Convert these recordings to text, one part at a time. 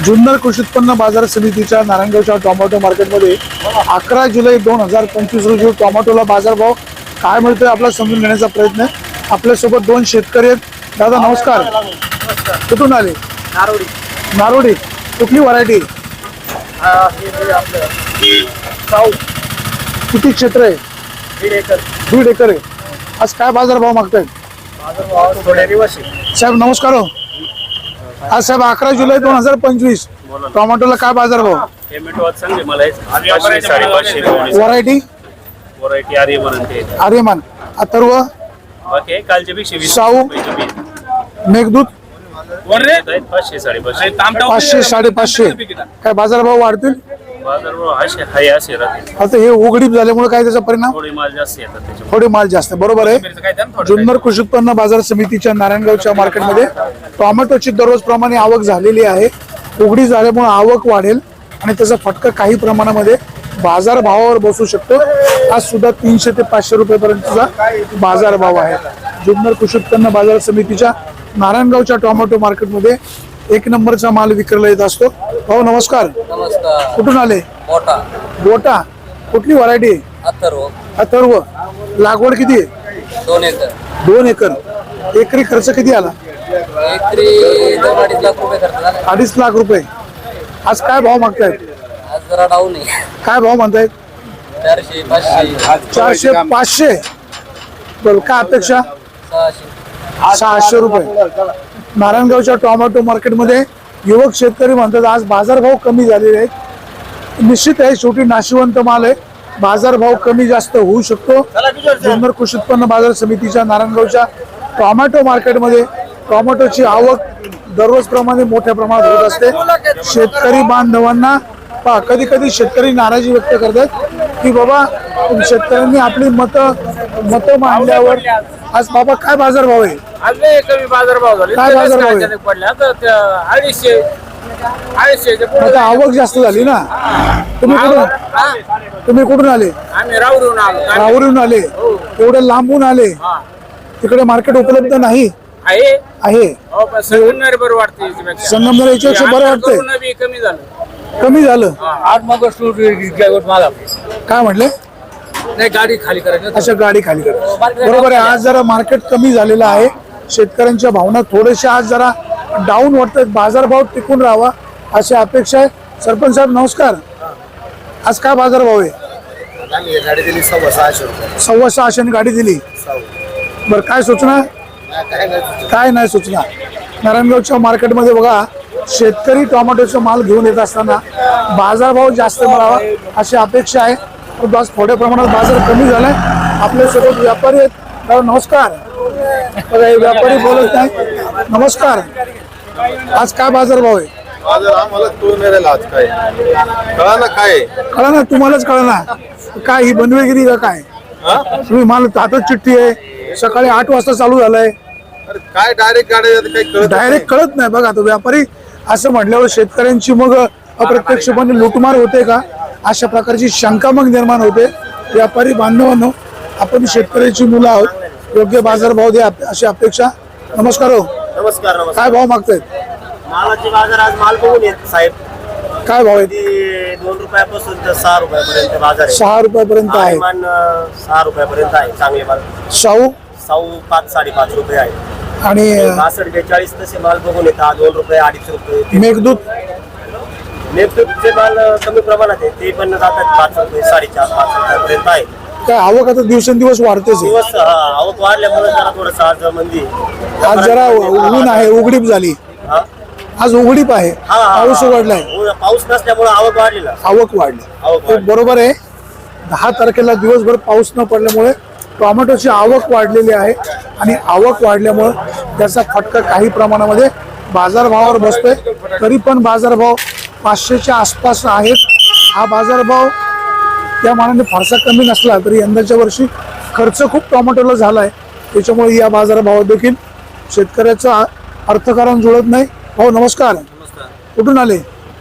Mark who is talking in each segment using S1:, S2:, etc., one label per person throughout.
S1: जुन्नर कृषी उत्पन्न बाजार समितीच्या नारायणगावच्या टोमॅटो मार्केटमध्ये 11 जुलै 2025 रोजी टोमॅटोला बाजारभाव काय मिळतोय आपला समजून घेण्याचा प्रयत्न आहे। आपल्यासोबत दोन शेतकरी आहेत। दादा नमस्कार, कुठून आले?
S2: नारोडी।
S1: नारोडी, कुठली व्हरायटी? किती क्षेत्र आहे?
S2: 1.5 एकर।
S1: 1.5 एकर आहे। आज काय बाजारभाव मागतायत? साहेब नमस्कार हो। आज साहेब 11 जुलै 2025 टोमॅटोला काय बाजारभाव? व्हरायटी आर्यमान, अथर्व, साऊ, मेघदूत 500 550 काय बाजारभाव वाढतील? आता हे उघडीप झाल्यामुळे काय त्याचा परिणाम? थोडे माल जास्त, बरोबर आहे। जुन्नर कृषी उत्पन्न बाजार समितीच्या नारायणगावच्या मार्केटमध्ये टोमॅटोची दररोज प्रमाणे आवक झालेली आहे। उघडी झाल्यामुळे आवक वाढेल आणि त्याचा फटका काही प्रमाणामध्ये बाजार भावावर बसू शकतो। आज सुद्धा 300 ते 500 रुपयापर्यंतचा बाजार भाव आहे। जुन्नर कृषी उत्पन्न बाजार समितीच्या नारायणगावच्या टोमॅटो मार्केटमध्ये 1 नंबरचा माल विक्रीला येत असतो। भाऊ नमस्कार।
S3: नमस्कार।
S1: कुठून आले?
S3: मोठा
S1: गोटा, कुठली व्हरायटी?
S3: अथर्व।
S1: अथर्व, लागवड किती आहे?
S3: 2 एकर।
S1: 2 एकर। एकरी खर्च किती आला?
S3: एकरी 2-2.5 लाख रुपये खर्च झाला।
S1: 2.5 लाख रुपये। आज काय भाव मागतायत?
S3: आज जरा डाऊन आहे।
S1: काय भाव म्हणतायत?
S3: 400 500
S1: 400 500। बरं, काय अपेक्षा? 600 रुपये। नारायणगावच्या टोमॅटो मार्केटमध्ये युवक शेतकरी म्हणतात आज बाजारभाव कमी झालेले आहेत। निश्चित आहे, शेवटी नाशिवंत माल आहे, बाजारभाव कमी जास्त होऊ शकतो। जुन्नर कृषी उत्पन्न बाजार समितीच्या नारायणगावच्या टोमॅटो मार्केटमध्ये टोमॅटोची आवक दररोज प्रमाणे मोठ्या प्रमाणात होत असते। शेतकरी बांधवांना कधी कधी शेतकरी नाराजी व्यक्त करतात की बाबा शेतकऱ्यांनी आपली मतं मांडल्यावर आज बाबा काय बाजारभाव आहे?
S2: कमी बाजारभाव झाले।
S1: काय बाजारभाव आहे? आता आवक जास्त झाली ना। तुम्ही कुठून आले?
S2: आम्ही राऊरून आलो।
S1: राहुरीहून आले, एवढे लांबून आले, तिकडे मार्केट उपलब्ध नाही
S2: आहे
S1: आहे।
S2: संगमनेर बरं वाटते,
S1: संगमनेर याच्यापेक्षा बरं वाटतंय?
S2: कमी झालं।
S1: कमी झालं?
S2: आठ मग
S1: काय म्हटले?
S2: नाही, गाडी खाली करायची।
S1: अशा गाडी खाली करा, बरोबर आहे। आज जरा मार्केट कमी झालेलं आहे, शेतकऱ्यांच्या भावना थोडेशा आज जरा डाऊन वाटतात, बाजारभाव टिकून राहावा अशी अपेक्षा आहे। सरपंच साहेब नमस्कार। आज काय बाजारभाव आहे?
S2: गाडी दिली 650 रुपये।
S1: 650 गाडी दिली। बरं, काय सूचना? काय नाही सूचना। नारायणगावच्या मार्केटमध्ये बघा, शेतकरी टोमॅटोचा माल घेऊन येत असताना बाजारभाव जास्त मिळावा अशी अपेक्षा आहे। परंतु आज थोड्या प्रमाणात बाजार कमी झालाय। आपल्यासोबत व्यापारी आहेत। दादा नमस्कार। बघा, हे व्यापारी बोलत नाही। नमस्कार। आज काय बाजारभाव आहे?
S4: बाजार आम्हाला तो मिळाला आज काय कळा ना, काय
S1: कळा ना, तुम्हालाच कळा ना काय ही बनवेगिरी का काय? तुम्ही मला हातात चिठ्ठी आहे, सकाळी 8 वाजता चालू झालाय,
S4: अरे काय डायरेक्ट गाड्या काही कळत
S1: डायरेक्ट कळत नाही। बघा, तो व्यापारी असं म्हटल्यावर शेतकऱ्यांची मग अप्रत्यक्षपणे लुटमार होते का अशा प्रकारची शंका मग निर्माण होते। व्यापारी बांधवांनो, आपण शेतकऱ्याची मुलं आहोत, योग्य बाजारभाव द्या अशी अपेक्षा। नमस्कार हो।
S4: नमस्कार।
S1: काय भाव मागतायत?
S4: मालाचे बाजार आज माल बघून येत साहेब।
S1: काय भाव आहे?
S4: 2 रुपयापासून तर 6 रुपयापर्यंत बाजार आहे।
S1: 6 रुपयापर्यंत आहे।
S4: 6 रुपयापर्यंत आहे चांगले माल।
S1: शाहू
S4: 5-5.5 रुपये आहे
S1: आणि
S4: 62-42 तसे माल बघून येतात। 2 रुपये 2.5 रुपये।
S1: मेघदूत
S4: मेघदूतचे माल कमी प्रमाणात आहे, ते पण जातात 5 रुपये 4.5-5 रुपयापर्यंत आहे।
S1: काय आवक आता दिवसेंदिवस वाढतेच आहे।
S4: दिवस आवक वाढल्यामुळे जरा थोडंसं आज मंदी।
S1: आज जरा ऊन आहे, उघडीप झाली, आज उघडीप आहे, पाऊस उघडलाय,
S4: पाऊस नसल्यामुळे आवक वाढलेला,
S1: आवक वाढली। बरोबर आहे, 10 तारखेला दिवसभर पाऊस न पडल्यामुळे टोमॅटोची आवक वाढलेली आहे आणि आवक वाढल्यामुळे त्याचा फटका काही प्रमाणामध्ये बाजारभावावर बसतोय। तरी पण बाजारभाव 500च्या आसपास आहेत। हा बाजारभाव त्या मानाने फारसा कमी नसला तरी यंदाच्या वर्षी खर्च खूप टोमॅटोला झाला आहे, त्याच्यामुळे या बाजारभावात देखील शेतकऱ्याचं अर्थकारण जुळत नाही। हो नमस्कार। कुठून आले?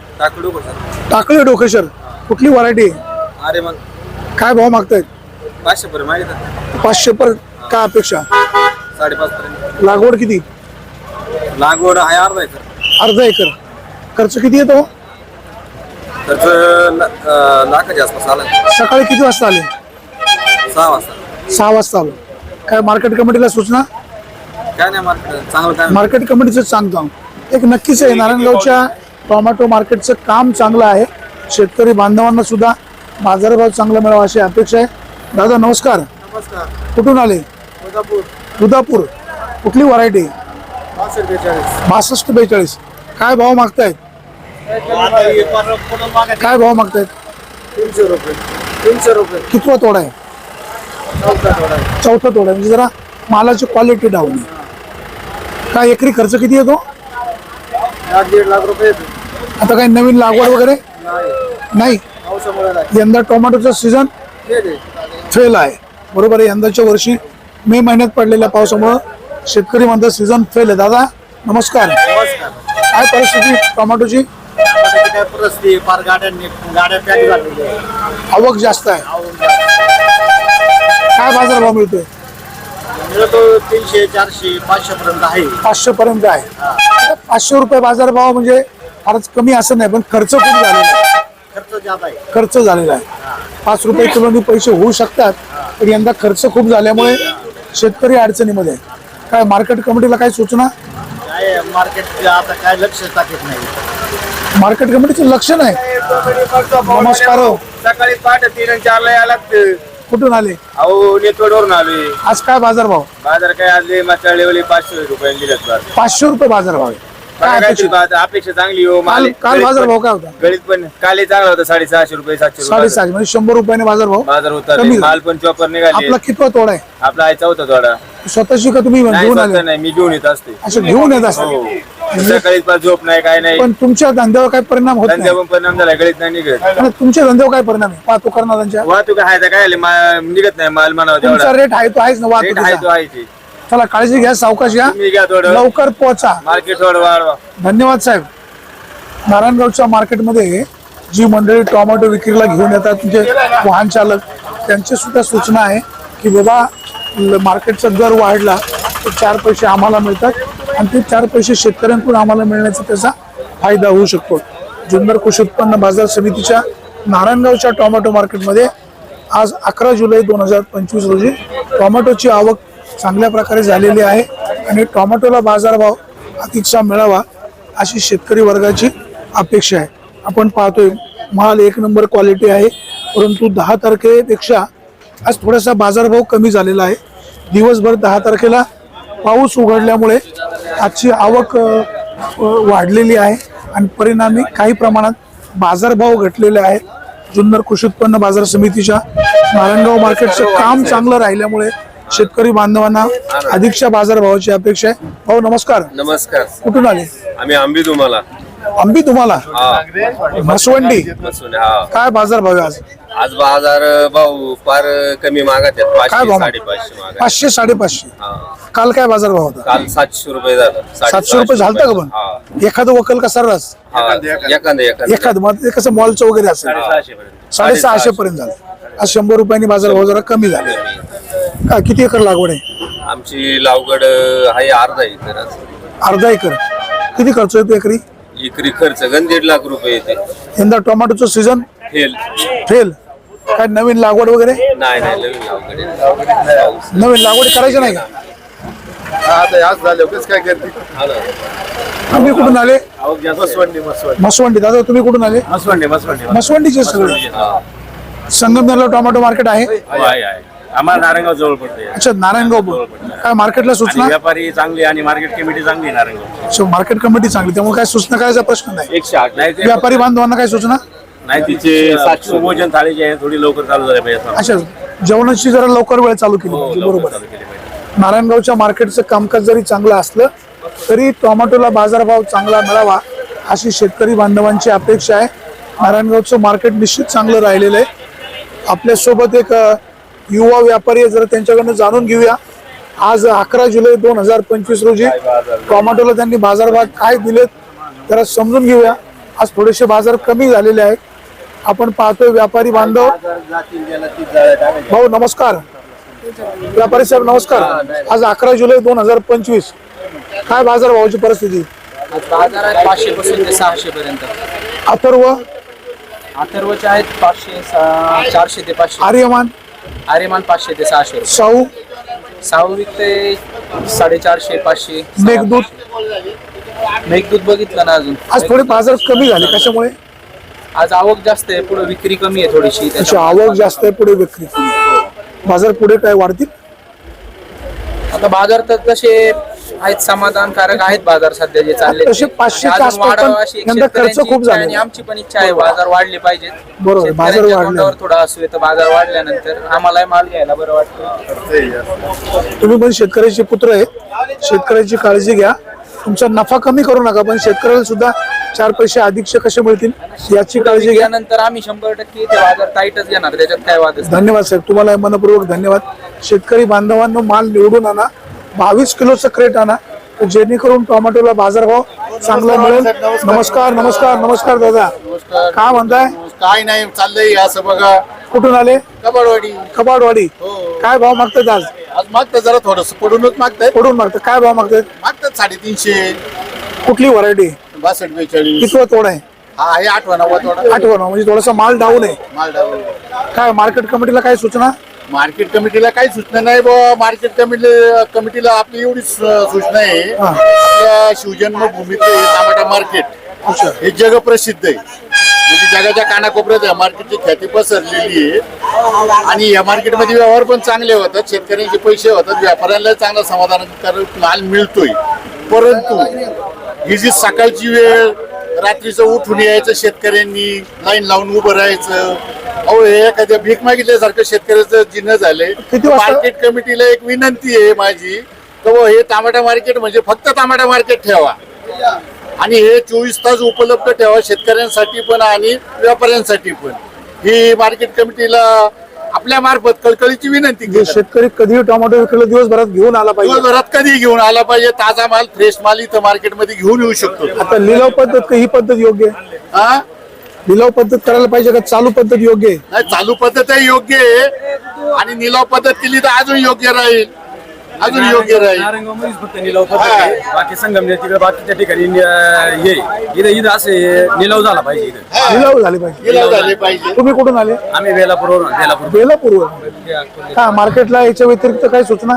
S1: टाकळी डोकेश्वर, कुठली व्हरायटी?
S3: आर्यमान।
S1: काय भाव मागतायत?
S3: 500 पर्यंत मागितलं।
S1: 500 पर काय अपेक्षा?
S3: 5.5 पर्यंत।
S1: लागवड किती?
S3: लागवड आहे अर्धा एकर।
S1: अर्धा एकर। खर्च किती येतो?
S3: खर्च लाखाच्या आसपास आला.
S1: सकाळी किती वाजता आले?
S3: 6 वाजता.
S1: 6 वाजता आलो. काय मार्केट कमिटीला सूचना?
S3: काय नाही मार्केट चांगलं काय
S1: मार्केट कमिटीचं सांगतो एक नक्कीच आहे, नारायणगावच्या टोमॅटो मार्केटचं काम चांगलं आहे. शेतकरी बांधवांना सुद्धा बाजारभाव चांगला मिळावा अशी अपेक्षा आहे. दादा नमस्कार.
S2: नमस्कार.
S1: कुठून आले?
S2: कोल्हापूर.
S1: दुधापूर. कुठली व्हरायटी?
S2: 62-42.
S1: 62-42. काय भाव मागतायत? काय भाव मागतायत?
S2: 300 रुपये. 300 रुपये.
S1: कितवा तोडा आहे?
S2: चौथा थोडा.
S1: चौथा तोडा आहे. म्हणजे जरा मालाची क्वालिटी डाऊन आहे. काय एकरी खर्च किती येतो?
S2: 1.5 लाख रुपये येतो.
S1: आता काही नवीन लागवड वगैरे
S2: नाही.
S1: नाही?
S2: पावसामुळे नाही.
S1: यंदा टोमॅटोचा सीझन
S2: हे दे.
S1: फेल आहे. बरोबर आहे. यंदाच्या वर्षी मे महिन्यात पडलेल्या पावसामुळं शेतकरी म्हणतात सीझन फेल आहे. दादा नमस्कार.
S2: नमस्कार.
S1: काय परिस्थिती टोमॅटोची?
S2: काय परिस्थिती फार गाड्या पॅक झालेली आहे.
S1: आवक जास्त आहे. काय बाजारभाव मिळतोय?
S2: मिळतो 300, 400, 500 पर्यंत आहे.
S1: 500 पर्यंत आहे. आता 500 रुपये बाजारभाव म्हणजे फारच कमी असं नाही, पण खर्च खूप झालेला आहे.
S2: खर्च जात आहे.
S1: खर्च झालेला आहे. 5 रुपये किलोनी पैसे होऊ शकतात, पण यंदा खर्च खूप झाल्यामुळे शेतकरी अडचणीमध्ये आहे. काय मार्केट कमिटीला काय सूचना?
S2: काय मार्केट आता काय लक्ष टाकत नाही.
S1: मार्केट कमिटीचं लक्ष नाही. नमस्कार हो.
S2: सकाळी पहाटे 3 आणि 4 ला यायला लागतं.
S1: कुठून आले?
S2: अहो नेतवडवरून आलोय.
S1: आज काय बाजारभाव?
S2: बाजार काय आले माचाळलेवली 500 रुपये दिलेत बाजार.
S1: 500 रुपये बाजारभाव आहे. काय अपेक्षित?
S2: अपेक्षा चांगली हो.
S1: काल बाजारभाव काय होता?
S2: गळीत पण काल चांगला होता 650 रुपये 700 रुपये
S1: 650 म्हणजे 100 रुपयाने बाजारभाव
S2: बाजार होता.
S1: कमी झाला.
S2: माल पण चॉपर निघाले.
S1: आपला कितवा तोडा आहे?
S2: आपला आहे चौथा थोडा.
S1: स्वतःची का तुम्ही
S2: नाही
S1: घेऊन
S2: स्वतः
S1: आले?
S2: नाही मी घेऊन येत असते.
S1: असं घेऊन येत
S2: हो.
S1: असतात.
S2: सकाळी पास झोप नाही काय नाही.
S1: पण तुमच्या धंद्यावर काय परिणाम होत नाही?
S2: धंद्यावर परिणाम झाला गळीत नाही निघत.
S1: आणि तुमच्या धंद्यावर काय परिणाम आहे? वाहतूक करणाऱ्यांच्या
S2: वाहतूक आहे तर काय आले निघत नाही माल म्हणावं
S1: तुमचा
S2: तेवढा.
S1: रेट आहे तो आहेच ना
S2: रेट आहे तो
S1: वाहतुकीचा.
S2: आहे ते.
S1: चला काळजी घ्या, सावकाश घ्या,
S2: तुम्ही घ्या थोडं
S1: लवकर पोहोचा.
S2: मार्केट थोडं वाढवा.
S1: धन्यवाद साहेब. नारायणगावच्या मार्केटमध्ये जी मंडळी टोमॅटो विक्रीला घेऊन येतात म्हणजे वाहन चालक, त्यांची सुद्धा सूचना आहे की बाबा मार्केटचा दर वाढला तर 4 पैसे आम्हाला मिळतात आणि ते 4 पैसे शेतकऱ्यांकडून आम्हाला मिळण्याचा त्याचा फायदा होऊ शकतो. जुन्नर कृषी उत्पन्न बाजार समितीच्या नारायणगावच्या टोमॅटो मार्केटमध्ये आज 11 जुलै 2025 रोजी टोमॅटोची आवक चांगल्या प्रकारे झालेली आहे आणि टोमॅटोला बाजारभाव अतिशय मिळावा अशी शेतकरी वर्गाची अपेक्षा आहे. आपण पाहतोय माल 1 नंबर क्वालिटी आहे, परंतु 10 तारखेपेक्षा आज थोडासा बाजारभाव कमी झालेला आहे. दिवसभर 10 तारखेला पाऊस उघडल्यामुळे आजची आवक वाढलेली आहे आणि परिणामी काही प्रमाणात बाजारभाव घटलेले आहेत. जुन्नर कृषी उत्पन्न बाजार समितीच्या नारायणगाव मार्केटचं काम चांगलं राहिल्यामुळे शेतकरी बांधवांना अधिकच्या बाजारभावाची अपेक्षा आहे. भाऊ नमस्कार.
S3: नमस्कार.
S1: कुठून आले?
S3: आम्ही आंबी तुम्हाला
S1: आंबी तुम्हाला म्हसवंडी.
S3: हा.
S1: काय बाजारभाव आहे आज?
S3: आज बाजार भाऊ फार कमी मागत आहेत.
S1: काय
S3: 500
S1: भाव?
S3: 550 मागत.
S1: 500 550.
S3: हा.
S1: काल काय बाजारभाव होता?
S3: काल 700 रुपये झालं.
S1: 700 रुपये झालता का पण?
S3: हा.
S1: एखादं वकल का सर्रास?
S3: एखादं
S1: एखादं मग ते कसं मॉलचं वगैरे असेल 650 पर्यंत झालं. आज 100 रुपयांनी बाजारभाव जरा कमी झाले. काय किती एकर लागवड आहे?
S3: आमची लावगड आहे अर्धा एकर.
S1: अर्धा एकर. किती खर्च येतो एकरी?
S3: एकरी खर्च गण 1.5 लाख रुपये येते.
S1: यंदा टोमॅटोचं सीझन
S3: फेल
S1: फेल. काय नवीन लागवड वगैरे?
S3: नाही नवीन लावगड आहे.
S1: नवीन लागवड करायची नाही का?
S2: काय करते?
S3: हा ना.
S1: तुम्ही कुठून आले?
S2: मसवंडी.
S1: म्हसवंडी. दादा तुम्ही कुठून आले?
S2: मसवंडी.
S1: म्हसवंडीचे सगळे.
S3: हा.
S1: संगमनेरला टोमॅटो मार्केट आहे?
S2: आहे. आम्हाला नारायणगाव जवळ पडते.
S1: अच्छा नारायणगाव. काय मार्केटला सूचना?
S2: व्यापारी चांगली आणि मार्केट कमिटी चांगली आहे नारायणगाव.
S1: अच्छा, मार्केट कमिटी चांगली, त्यामुळे काय सूचना करायचा प्रश्न नाही.
S2: 108 नाही ते
S1: व्यापारी बांधवांना काय सूचना?
S2: नाही तिचे 700 भोजन थाळी जी आहे थोडी लवकर चालू झाली पाहिजे.
S1: अच्छा, जेवणाची जरा लवकर वेळ चालू केली पाहिजे. बरोबर आहे. नारायणगावच्या मार्केटचं कामकाज जरी चांगलं असलं तरी टोमॅटोला बाजारभाव चांगला मिळावा अशी शेतकरी बांधवांची अपेक्षा आहे. नारायणगावचं मार्केट निश्चित चांगलं राहिलेलं आहे. आपल्यासोबत एक युवा व्यापारी आहे, जरा त्यांच्याकडनं जाणून घेऊया. आज 11 जुलै 2025 रोजी टोमॅटोला त्यांनी बाजारभाव काय दिलेत जरा समजून घेऊया. आज थोडेसे बाजार कमी झालेले आहेत. आपण पाहतोय व्यापारी बांधव. भाऊ नमस्कार. व्यापारी साहेब नमस्कार. आज 11 जुलै 2025 काय बाजारभावाची परिस्थिती?
S5: बाजार आहेत 500 पासून ते 600 पर्यंत.
S1: अथर्व,
S5: अथर्वचे आहेत 500 400 ते 500.
S1: आर्यमान,
S5: आर्यमान 500 ते 600.
S1: साऊ,
S5: साऊ विकते 450 500. मेघदूत बघितलं ना अजून.
S1: आज थोडे बाजार कमी झाले कशामुळे?
S5: आज आवक जास्त आहे, पुढे विक्री कमी आहे थोडीशी.
S1: त्याची आवक जास्त आहे, पुढे विक्री कमी. बाजार पुढे काय वाढतील?
S5: आता बाजार तर तसे आहेत, समाधानकारक आहेत बाजार सध्या जे चालले.
S1: तसे 500 च्या आसपास, पण यंदा खर्च खूप झाले.
S5: आणि आमची पण इच्छा आहे बाजार वाढले पाहिजेत.
S1: बरोबर, बाजार
S5: शेतकऱ्यांच्या
S1: वाढले.
S5: तोंडावर थोडा असू तर बाजार वाढल्यानंतर आम्हाला माल घ्यायला बरं वाटतं.
S1: तुम्ही पण शेतकऱ्याचे पुत्र आहेत, शेतकऱ्याची काळजी घ्या. तुमचा नफा कमी करू नका, पण शेतकऱ्याला सुद्धा 4 पैसे अधिकचे कसे मिळतील याची काळजी घ्या.
S5: नंतर आम्ही 100% ते बाजार टाईटच घेणार, त्याच्यात काय वादच.
S1: धन्यवाद साहेब, तुम्हाला मनपूर्वक धन्यवाद. शेतकरी बांधवांनो, माल निवडून आणा, 22 किलोचं क्रेट आणा, जेणेकरून टोमॅटोला बाजारभाव चांगला मिळेल. नमस्कार नमस्कार नमस्कार दादा, काय म्हणताय?
S2: काय नाही चाललंय असं बघा.
S1: कुठून आले?
S2: कबाडवाडी.
S1: कबाडवाडी. काय भाव मागतात आज?
S2: आज मागतात जरा थोडस पडूनच मागतायत.
S1: कुठून मागतात? काय भाव मागतात?
S2: मागतात 350.
S1: कुठली व्हरायटी?
S2: 62 42.
S1: कितवा तोड आहे?
S2: हा हे 8वा 9वा थोडा.
S1: 8वा म्हणजे थोडासा माल डाऊन आहे.
S2: माल डाऊन.
S1: काय मार्केट कमिटीला काय सूचना?
S2: मार्केट कमिटीला काही सूचना नाही मार्केट कमिटीला आपली एवढीच सूचना आहे.
S1: हा.
S2: आपल्या शिवजन्मभूमीतलं टमाटा मार्केट
S1: अच्छा.
S2: हे जगप्रसिद्ध आहे. म्हणजे जगाच्या कानाकोपऱ्यात या मार्केटची ख्याती पसरलेली आहे. आणि या मार्केटमध्ये व्यवहार पण चांगले होतात, शेतकऱ्यांचे पैसे होतात, व्यापाऱ्यांना चांगला समाधानकारक माल मिळतोय. परंतु ही जी सकाळची वेळ, रात्रीचं उठून यायचं, शेतकऱ्यांनी लाईन लावून उभं राहायचं, अहो हे एखाद्या भीक मागितल्यासारखं शेतकऱ्याचं जिन्न झालंय.
S1: किती वाजता?
S2: मार्केट कमिटीला एक विनंती आहे माझी, तर हे टमाटा मार्केट म्हणजे फक्त टमाटा मार्केट ठेवा आणि हे 24 तास उपलब्ध ठेवा शेतकऱ्यांसाठी पण आणि व्यापाऱ्यांसाठी पण. ही मार्केट कमिटीला आपल्या मार्फत कळकळीची विनंती
S1: जे
S2: केली.
S1: शेतकरी कधी टोमॅटो विकला दिवसभरात घेऊन आला पाहिजे.
S2: दिवसभरात कधी घेऊन आला पाहिजे, ताजा माल, फ्रेश माल इथं मार्केटमध्ये घेऊन येऊ शकतो.
S1: आता लिलाव पद्धत का ही पद्धत योग्य आहे?
S2: हा
S1: लिलाव पद्धत करायला पाहिजे का चालू पद्धत योग्य आहे?
S2: नाही, चालू पद्धत योग्य आहे आणि निलाव पद्धत केली तर अजून योग्य राहील, अजून योग्य राहील.
S6: नारायणगावमध्येच फक्त निलाव पद्धत आहे. बाकी संगमनेर तिकडे बाकीच्या ठिकाणी इथं असे निलाव झाला पाहिजे. इथं
S1: लिलाव झाले पाहिजे.
S2: निलाव झाले पाहिजे.
S1: तुम्ही कुठून आले?
S6: आम्ही बेलापूर
S1: बेलापूर. का मार्केटला याच्या व्यतिरिक्त काय सूचना?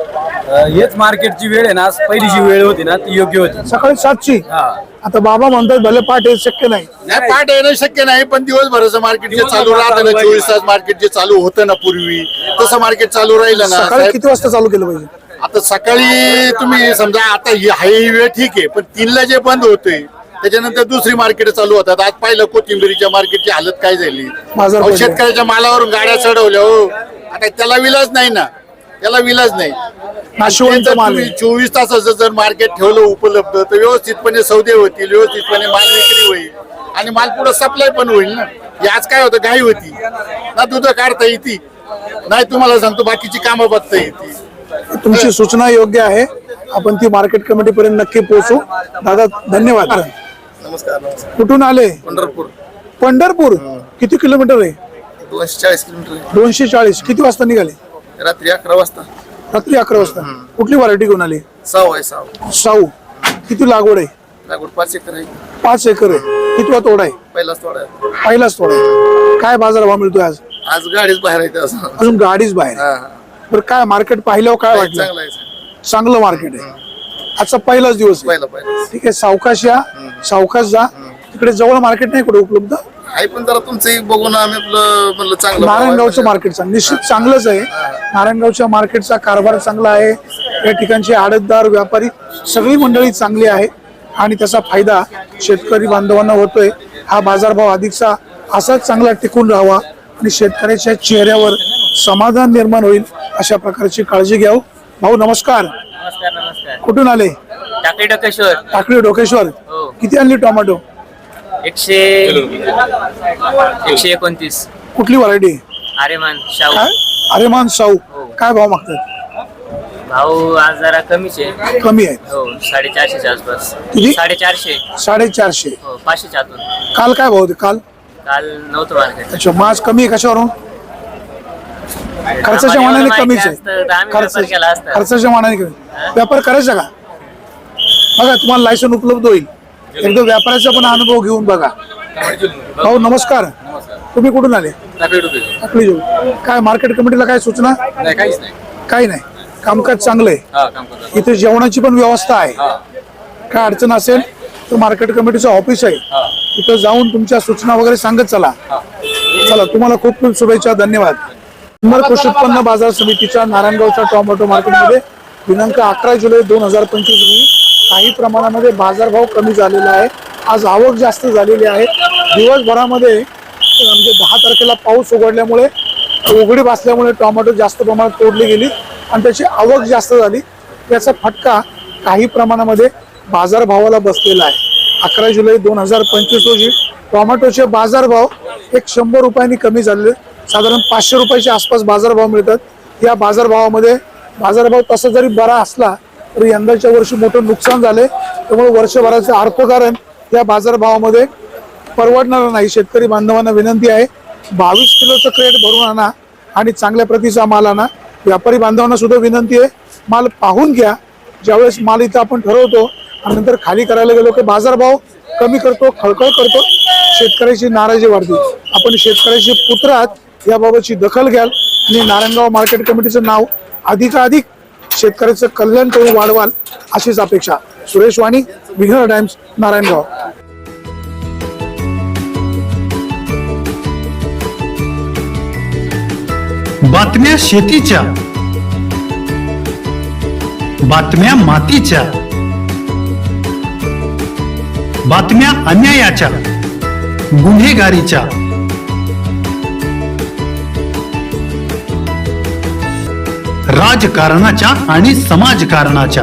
S6: हेच मार्केटची वेळ आहे ना, आज पहिली जी वेळ होती ना ती योग्य होती.
S1: सकाळी 7ची.
S6: हा.
S1: आता बाबा म्हणतात भले पाठ हे शक्य नाही.
S2: नाही, पाठ येणं शक्य नाही, पण दिवसभराचं मार्केट जे चालू राहतं ना, 24 तास मार्केट जे चालू होतं ना पूर्वी, तसं मार्केट चालू राहिलं ना
S1: सकाळी
S2: साहेब.
S1: किती वाजता चालू केलं पाहिजे?
S2: आता सकाळी तुम्ही समजा आता ही वेळ ठीक आहे, पण 3ला जे बंद होतोय त्याच्यानंतर दुसरी मार्केट चालू होतात. आज पाहिलं कोथिंबिरीच्या मार्केटची हालत काय झाली.
S1: बाजार
S2: अहो,
S1: पडले.
S2: शेतकऱ्याच्या मालावरून गाड्या चढवल्या. हो आता त्याला विलाज नाही ना, त्याला विलाज नाही.
S1: नाशिवंत
S2: जर
S1: माल
S2: तुम्ही
S1: आहे.
S2: 24 तासाचं जर मार्केट ठेवलं उपलब्ध, तर व्यवस्थितपणे सौदे होतील, व्यवस्थितपणे माल विक्री होईल आणि माल पुढे सप्लाय पण होईल ना. हे आज काय होतं, घाई होती ना, दूध काढता येते नाही, तुम्हाला सांगतो बाकीची कामं बघता येते.
S1: तुमची सूचना योग्य आहे, आपण ती मार्केट कमिटी पर्यंत नक्की पोहोचू. दादा धन्यवाद.
S3: नमस्कार.
S1: कुठून आले?
S3: पंढरपूर.
S1: पंढरपूर. किती किलोमीटर आहे?
S3: 240 किलोमीटर.
S1: 240. किती वाजता निघाले?
S3: रात्री 11 वाजता.
S1: रात्री 11 वाजता. कुठली व्हरायटी घेऊन आली?
S3: 6 आहे 6.
S1: साऊ. किती लागवड आहे?
S3: लागवड 5 एकर आहे.
S1: 5 एकर आहे. कितवा तोडा आहे?
S3: पहिलाच थोडा आहे.
S1: पहिलाच तोडा आहे. काय बाजार भाव मिळतोय आज?
S3: आज गाडीच बाहेर येते असं.
S1: अजून गाडीच बाहेर.
S3: हा.
S1: बरं, काय मार्केट पाहिल्यावर काय वाटलं?
S3: चांगला आहे.
S1: चांगलं मार्केट आहे. आजचा पहिलाच दिवस आहे.
S3: पहिला
S1: ठीक आहे, सावकाश या, सावकाश जा. तिकडे जवळ मार्केट नाही कुठे उपलब्ध?
S3: आहे, पण जरा तुमचं बघून आम्ही आपलं म्हणलं चांगलं.
S1: नारायणगावचं मार्केट निश्चित चांगलंच आहे. नारायणगावच्या मार्केटचा कारभार चांगला आहे. या ठिकाणचे आडतदार, व्यापारी सगळी मंडळी चांगली आहे आणि त्याचा फायदा शेतकरी बांधवांना होतोय. हा बाजारभाव अधिकचा असाच चांगला टिकून राहावा आणि शेतकऱ्याच्या चेहऱ्यावर समाधान निर्माण होईल अशा प्रकारची काळजी घ्यावं. भाऊ नमस्कार.
S5: नमस्कार नमस्कार.
S1: कुठून आले?
S5: टाकळी डोकेश्वर.
S1: टाकळी डोकेश्वर.
S5: हो.
S1: किती आणली टोमॅटो?
S5: 129.
S1: कुठली व्हरायटी?
S5: आर्यमान शाहू.
S1: काय? अरेमान साऊ. काय भाव मागतात?
S5: भाऊ आज जरा कमीच आहे.
S1: कमी आहेत.
S5: हो 450च्या आसपास.
S1: किती?
S5: 450.
S1: 450.
S5: हो 500च्या आतून.
S1: काल काय भाव होते? काल
S5: काल नव्हतं मार्केट.
S1: अच्छा, मग आज कमी आहे कशावरून? खर्चाच्या मानाने कमीच आहे.
S5: आम्ही व्यापार केला असता.
S1: खर्चाच्या मानाने कमी. व्यापार करायचा का? बघा तुम्हाला लायसन उपलब्ध होईल. एकदा व्यापाराचा पण अनुभव घेऊन बघा. भाऊ नमस्कार, तुम्ही कुठून आले? टाकळी जवळ. काय मार्केट कमिटीला काय सूचना? काही नाही, कामकाज चांगलं आहे. इथे जेवणाची पण व्यवस्था आहे. काय अडचण असेल तर मार्केट कमिटीचं ऑफिस आहे, तिथं जाऊन तुमच्या सूचना वगैरे सांगत चला. चला, तुम्हाला खूप खूप शुभेच्छा, धन्यवाद. जुन्नर कृषी उत्पन्न बाजार समितीच्या नारायणगावच्या टोमॅटो मार्केटमध्ये दिनांक 11 जुलै 2025 रोजी काही प्रमाणामध्ये बाजारभाव कमी झालेला आहे. आज आवक जास्त झालेली आहे. दिवसभरामध्ये म्हणजे 10 तारखेला पाऊस उघडल्यामुळे उघडी बसल्यामुळे टोमॅटो जास्त प्रमाणात तोडली गेली आणि त्याची आवक जास्त झाली. याचा फटका काही प्रमाणामध्ये बाजारभावाला बसलेला आहे. 11 जुलै 2025 रोजी टोमॅटोचे बाजारभाव 100 रुपयांनी कमी झालेले, साधारण 500 रुपयाच्या आसपास बाजारभाव मिळतात. या बाजारभावामध्ये बाजारभाव तसा जरी बरा असला तरी यंदाच्या वर्षी मोठं नुकसान झाले, त्यामुळे वर्षभराचं अर्थकारण या बाजारभावामध्ये परवडणार नाही. शेतकरी बांधवांना विनंती आहे, 22 किलोचं क्रेट भरून आणा आणि चांगल्या प्रतीचा माल आणा. व्यापारी बांधवांना सुद्धा विनंती आहे, माल पाहून घ्या. ज्यावेळेस माल इथं आपण ठरवतो आणि नंतर खाली करायला गेलो की बाजारभाव कमी करतो, खळखळ करतो, शेतकऱ्याची नाराजी वाढते. आपण शेतकऱ्याचे पुत्र आहात, याबाबतची दखल घ्याल आणि नारायणगाव मार्केट कमिटीचं नाव अधिकाधिक शेतकऱ्याचं कल्याण करून वाढवाल अशीच अपेक्षा. सुरेश वाणी, विघ्नर टाइम्स, नारायणगाव.
S7: बातम्या शेतीच्या, बातम्या मातीच्या, बातम्या अन्यायाच्या, गुन्हेगारीच्या, राजकारणाच्या आणि समाजकारणाच्या,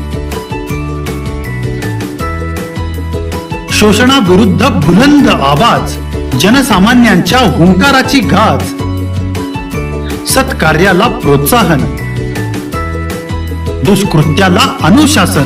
S7: शोषणाविरुद्ध बुलंद आवाज, जनसामान्यांच्या हुंकाराची गाज, सत्कार्याला प्रोत्साहन, दुष्कृत्याला अनुशासन,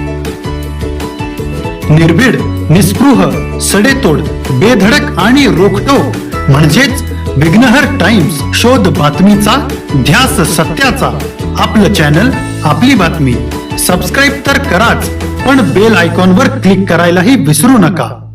S7: निर्भीड, निस्पृह, सडेतोड, बेधडक आणि रोखटोक म्हणजेच विघ्नहर टाइम्स. शोध बातमीचा, ध्यास सत्याचा. आपलं चॅनल, आपली बातमी. सबस्क्राईब तर कराच, पण बेल आयकॉनवर क्लिक करायलाही विसरू नका.